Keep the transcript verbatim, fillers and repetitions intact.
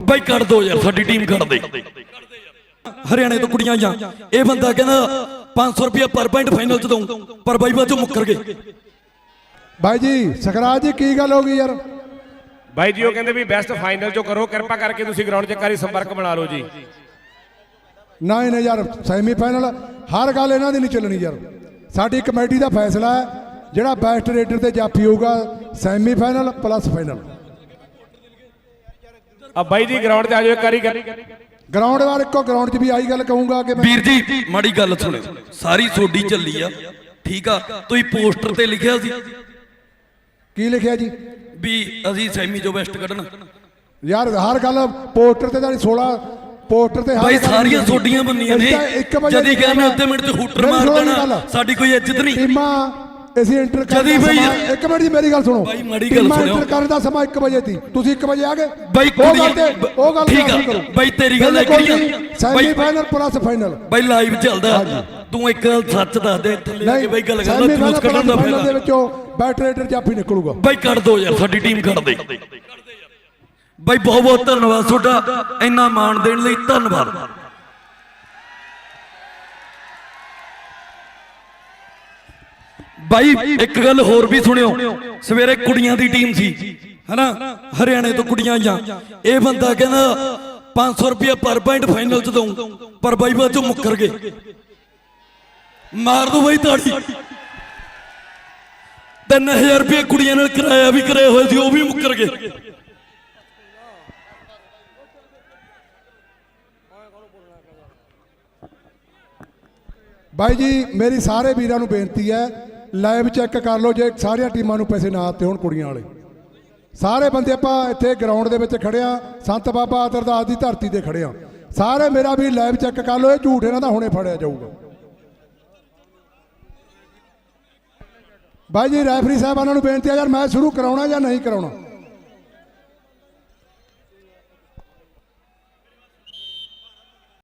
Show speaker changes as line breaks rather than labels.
ਬਾਈ ਕੱਢ ਦੋ ਯਾਰ, ਸਾਡੀ ਟੀਮ ਕੱਢ ਦੇ। ਹਰਿਆਣੇ ਤੋਂ ਕੁੜੀਆਂ ਜਾਂ ਇਹ ਬੰਦਾ ਕਹਿੰਦਾ पाँच सौ रुपया पर पॉइंट फाइनल च दूं, पर बाई बाचों मुकर गए।
भाई जी सकराज जी की गल होगी यार?
भाई जी वो कहते भी बेस्ट फाइनल जो करो, कृपा करके तुसी ग्राउंड च एक बारी संपर्क बना लो जी।
नहीं नहीं यार सैमी फाइनल हर गल इन्हां दी नहीं चलनी यार, साडी कमेटी दा फैसला है जिहड़ा बेस्ट रेडर ते जाफी होगा सैमी फाइनल प्लस फाइनल।
अब भाई जी ग्राउंड ते आ जाओ एक बारी,
ग्राउंड वाले को ग्राउंड च भी आई गल कहूंगा कि
वीर जी माड़ी गल सुनो, सारी सोडी चली आ ठीक आ, तुसीं पोस्टर ते लिखिया सी
की लिखिया जी
भी असीं सैमी जो बेस्ट कढना
यार, हर गल पोस्टर ते सोलह पोस्टर ते
भाई सारियां सोडियां बन्नियां ने, जदी कहने अद्धे मिनट च हूटर मार देना साडी कोई इज्जत नहीं।
टीमां ਅਸੀਂ ਇੰਟਰ ਕਰਦੇ ਸਮਾਂ ਇੱਕ ਮਿੰਟ ਜੀ ਮੇਰੀ ਗੱਲ ਸੁਣੋ,
ਬਾਈ ਮਾੜੀ ਗੱਲ ਸੁਣੋ,
ਇੰਟਰ ਕਰਨ ਦਾ ਸਮਾਂ ਇੱਕ ਵਜੇ ਸੀ, ਤੁਸੀਂ ਇੱਕ ਵਜੇ ਆ ਗਏ
ਬਾਈ
ਉਹ ਗੱਲ ਤੇ ਉਹ ਗੱਲ
ਠੀਕ ਆ ਬਾਈ ਤੇਰੀ ਗੱਲ ਇੱਕ
ਸੈਮੀ ਫਾਈਨਲ ਪਲੱਸ ਫਾਈਨਲ
ਬਾਈ ਲਾਈਵ ਚੱਲਦਾ, ਤੂੰ ਇੱਕ ਗੱਲ ਸੱਚ ਦੱਸ ਦੇ ਇੱਥੇ ਲੈ ਕੇ ਬਾਈ ਗੱਲ ਕਰ ਲੈ, ਜੂਸ ਕੱਢਣ ਦਾ ਫਾਇਦਾ
ਦੇ ਵਿੱਚੋਂ ਬੈਟ ਰੇਡਰ ਜਾਫੀ ਨਿਕਲੂਗਾ।
ਬਾਈ ਕੱਢ ਦੋ ਯਾਰ, ਸਾਡੀ ਟੀਮ ਕੱਢ ਦੇ। ਬਾਈ ਬਹੁਤ ਬਹੁਤ ਧੰਨਵਾਦ ਤੁਹਾਡਾ, ਇੰਨਾ ਮਾਣ ਦੇਣ ਲਈ ਧੰਨਵਾਦ। भाई एक गल होर भी सुनियो, सवेरे कुड़ियां दी टीम सी है ना, हरियाणे तो कुड़ियां जा ये बंदा कहना पाँच सौ रुपया पर पॉइंट फाइनल च दूं, पर बाई बाचों मुकर गए। मार दो भाई ताड़ी, तीन हजार रुपया कुड़ियां ने किराया भी कराया हुआ सी, वो भी मुकर गए।
भाई जी मेरी सारे वीरां नूं बेनती है लाइव चैक कर लो, जे सारिया टीमां नूं पैसे ना आते हो कुड़ियां वाले सारे बंदे आपां इत्थे ग्राउंड दे विच खड़े आ, संत बाबा अरदास दी धरती ते खड़े आ सारे, मेरा भी लाइव चैक कर लो, ये झूठ इन्हां दा हुणे फड़िया जाऊगा। भाई जी रैफरी साहबानां नूं बेनती है यार मैच शुरू कराउणा जां नहीं कराउणा?